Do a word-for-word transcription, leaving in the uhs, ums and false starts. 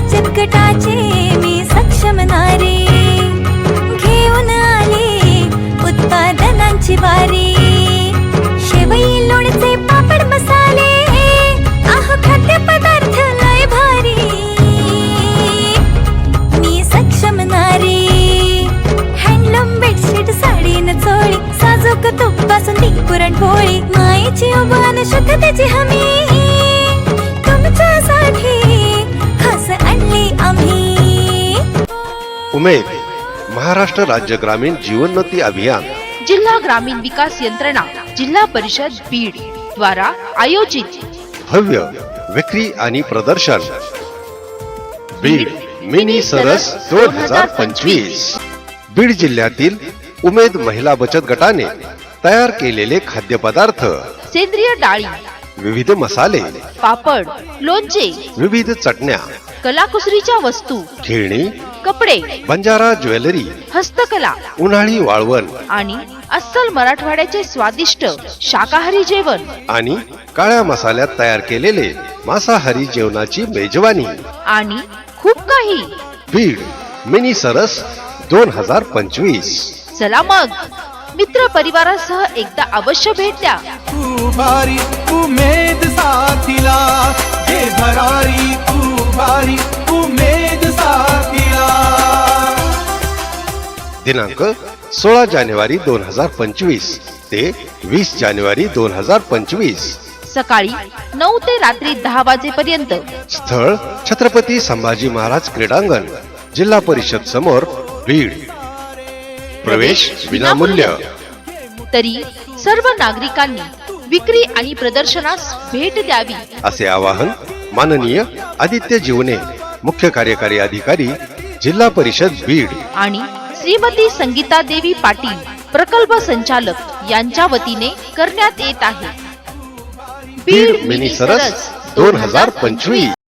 बचत गटाचे मी सक्षम नारी, घेऊन आले उत्पादनांची वारी। शेवई लोणचे पापड मसाले, आह खाद्य पदार्थ लय भारी, मी सक्षम नारी। हँडलूम बेडशीट साडी न चोळी, साजूक तूप बासुंदी पुरणपोळी, मायेची उभान शुद्धतेची हमी, तुमच्यासाठी खास आणली आम्ही। उमेद महाराष्ट्र राज्य ग्रामीण जीवनोन्नती अभियान, जिल्हा ग्रामीण विकास यंत्रणा, जिल्हा परिषद बीड द्वारा आयोजित भव्य विक्री आणि प्रदर्शन बीड मिनी सरस दोन हजार पंचवीस। बीड जिल्ह्यातील उमेद महिला बचत गटाने तयार केलेले खाद्यपदार्थ, सेंद्रिय डाळी, विविध मसाले, पापड, लोणचे, विविध चटण्या, कलाकुसरीच्या वस्तू, खेळणी, कपडे, बंजारा ज्वेलरी, हस्तकला उन्हाळी वाळवण आणि अस्सल मराठवाड्याचे स्वादिष्ट शाकाहारी जेवण आणि काळ्या मसाल्यात तयार केलेले मांसाहारी जेवणाची मेजवानी आणि खूप काही। बीड मिनी सरस दोन हजार पंचवीस। चला मग मित्र परिवारासह एकदा अवश्य भेट द्या। तू भारी उमेद साथीला, हे भरारी तू भारी उमेद साथीला। दिनांक सोळा जानेवारी दोन हजार पंचवीस ते वीस जानेवारी दोन हजार पंचवीस। सकाळी नऊ ते रात्री दहा वाजेपर्यंत। स्थळ छत्रपती संभाजी महाराज क्रीडांगण, जिल्हा परिषद समोर, बीड। प्रवेश विनामूल्य। तरी सर्व नागरिकांनी विक्री आणि प्रदर्शनास भेट द्यावी असे आवाहन माननीय आदित्य जीवने, मुख्य कार्यकारी अधिकारी, जिल्हा परिषद बीड आणि श्रीमती संगीता देवी पाटील, प्रकल्प संचालक यांच्या वतीने करण्यात येत आहे। बीड मिनी सरस दोन हजार पंचवीस।